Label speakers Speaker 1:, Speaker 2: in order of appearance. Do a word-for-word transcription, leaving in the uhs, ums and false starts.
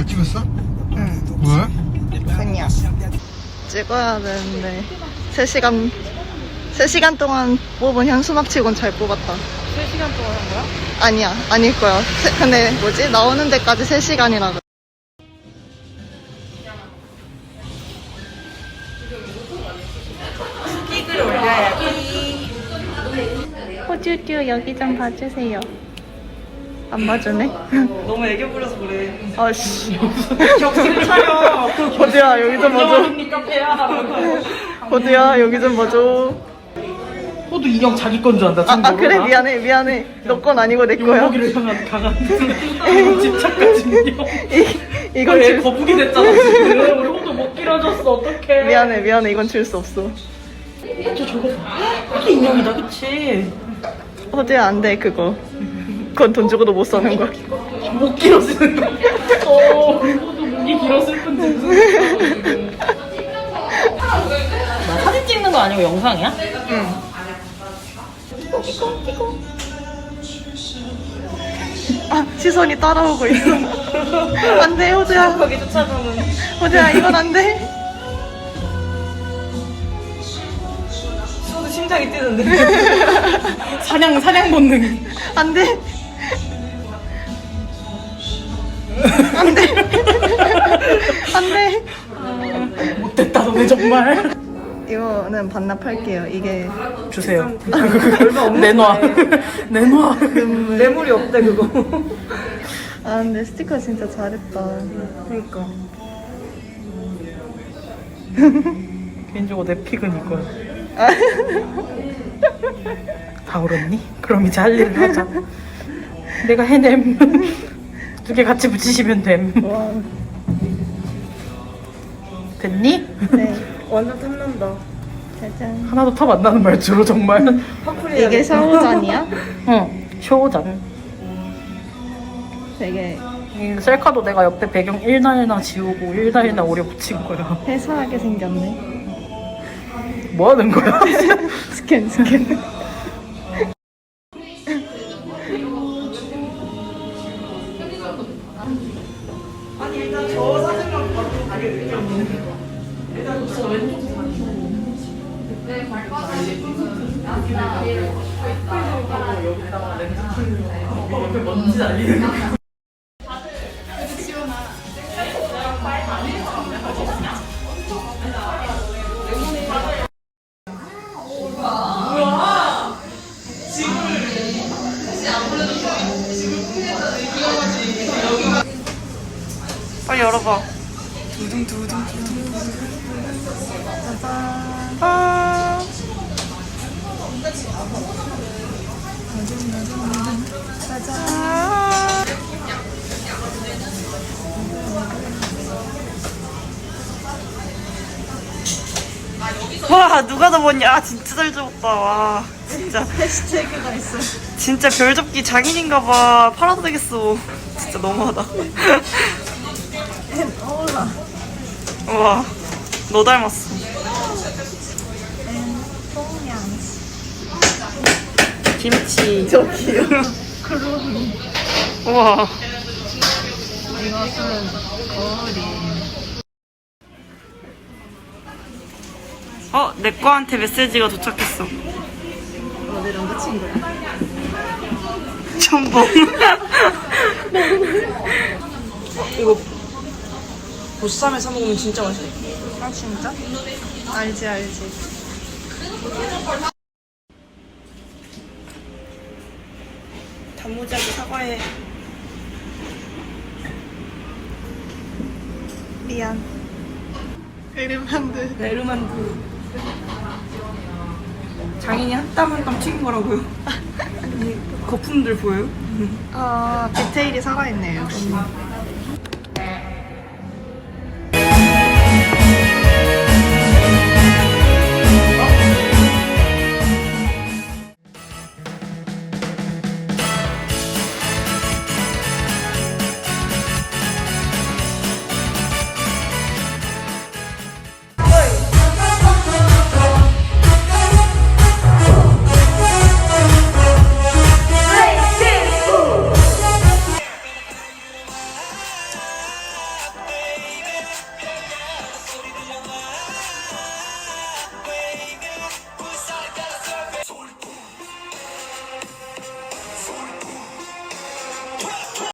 Speaker 1: 찍었어?
Speaker 2: 응.
Speaker 1: 왜?
Speaker 2: 그냥 찍어야 되는데 세 시간 세 시간 동안 뽑은 현수막 치곤 잘 뽑았다.
Speaker 3: 세 시간 동안 한 거야?
Speaker 2: 아니야, 아닐 거야. 세, 근데 뭐지? 나오는 데까지 세 시간이라 그래.
Speaker 3: 픽을 올려야지.
Speaker 2: 호주듀 여기 좀 봐주세요. 안 봐주네?
Speaker 3: 너무 애교 부려서 그래.
Speaker 2: 아씨.
Speaker 3: 격식 차려.
Speaker 2: 호주야 여기 좀 봐줘.
Speaker 3: 언니 카페야.
Speaker 2: 호주야 여기 좀 봐줘.
Speaker 3: 호두 인형 자기 건 줄 안다.
Speaker 2: 아, 아 그래 미안해 미안해. 너 건 아니고 내 거야.
Speaker 3: 용먹이를 향한 강한 집착까지 인형.
Speaker 2: 이, 이건
Speaker 3: 왜
Speaker 2: 줄
Speaker 3: 거북이 됐잖아 지금. 우리 호두 못 길어졌어. 어떡해.
Speaker 2: 미안해 미안해 이건 줄 수 없어.
Speaker 3: 저 저거 봐. 이게 인형이다 그치?
Speaker 2: 호주야 안 돼 그거. 그건 돈 주고도 못 사는 거야.
Speaker 3: 목 길어 쓰는 거. 어, 호두 목이 길어 슬픈 진수. 나 사진 찍는 거 아니고 영상이야?
Speaker 2: 응. 아 시선이 따라오고 있어. 안돼 호주야.
Speaker 3: 거기 쫓아가면.
Speaker 2: 호주야 이건 안돼.
Speaker 3: 호두 심장이 뛰는데. 사냥 사냥 본능.
Speaker 2: 안돼. 안돼. 안돼.
Speaker 3: 못됐다 너네 정말.
Speaker 2: 이거는 반납할게요. 이게
Speaker 3: 주세요. 내놔. 내놔. 뇌물이 없대 그거.
Speaker 2: 아 근데 스티커 진짜 잘했다.
Speaker 3: 그러니까. 개인적으로 내 픽은 이거야. 다 울었니? 그럼 이제 할 일을 하자. 내가 해냄. 두 개 같이 붙이시면 됨.
Speaker 2: 와.
Speaker 3: 됐니?
Speaker 2: 네.
Speaker 3: 완전 탐난다.
Speaker 2: 짜잔.
Speaker 3: 하나도 탑 안 나는 말투로 정말.
Speaker 2: 이게 샤워잔이야?
Speaker 3: 응. 쇼잔.
Speaker 2: 되게
Speaker 3: 이 셀카도 내가 옆에 배경 일날이나 지우고 일날이나 오려 붙인 거야.
Speaker 2: 회사하게 생겼네.
Speaker 3: 뭐 하는 거야?
Speaker 2: 스캔 스캔.
Speaker 3: 아니 일단 저 사진만 봐도 아니 의미 없는 거. 일단 저 왼쪽 사진. 여기다가 렌즈 켜고 오빠 옆에 먼지 날리는 거. 빨리 열어봐. 두둥두둥두둥. 아. 와 누가 더 봤냐? 진짜 잘 적었다. 와 진짜
Speaker 2: 해시태그가 있어.
Speaker 3: 진짜 별 접기 장인인가봐. 팔아도 되겠어. 진짜 너무하다.
Speaker 2: 어울라.
Speaker 3: 와 너 닮았어. 김치.
Speaker 2: 저기요.
Speaker 3: 우와.
Speaker 2: 이것은 거리.
Speaker 3: 어, 내 거한테 메시지가 도착했어.
Speaker 2: 어, 내 남자친구야.
Speaker 3: 첨벙. 이거 보쌈에 사 먹으면 진짜 맛있겠다.
Speaker 2: 아 진짜? 알지 알지.
Speaker 3: 단무지하고 사과해.
Speaker 2: 미안. 에르만드.
Speaker 3: 베르만두. 장인이 한 땀 한 땀 튀긴 거라고요. 이 거품들 보여요?
Speaker 2: 아 디테일이 살아있네요.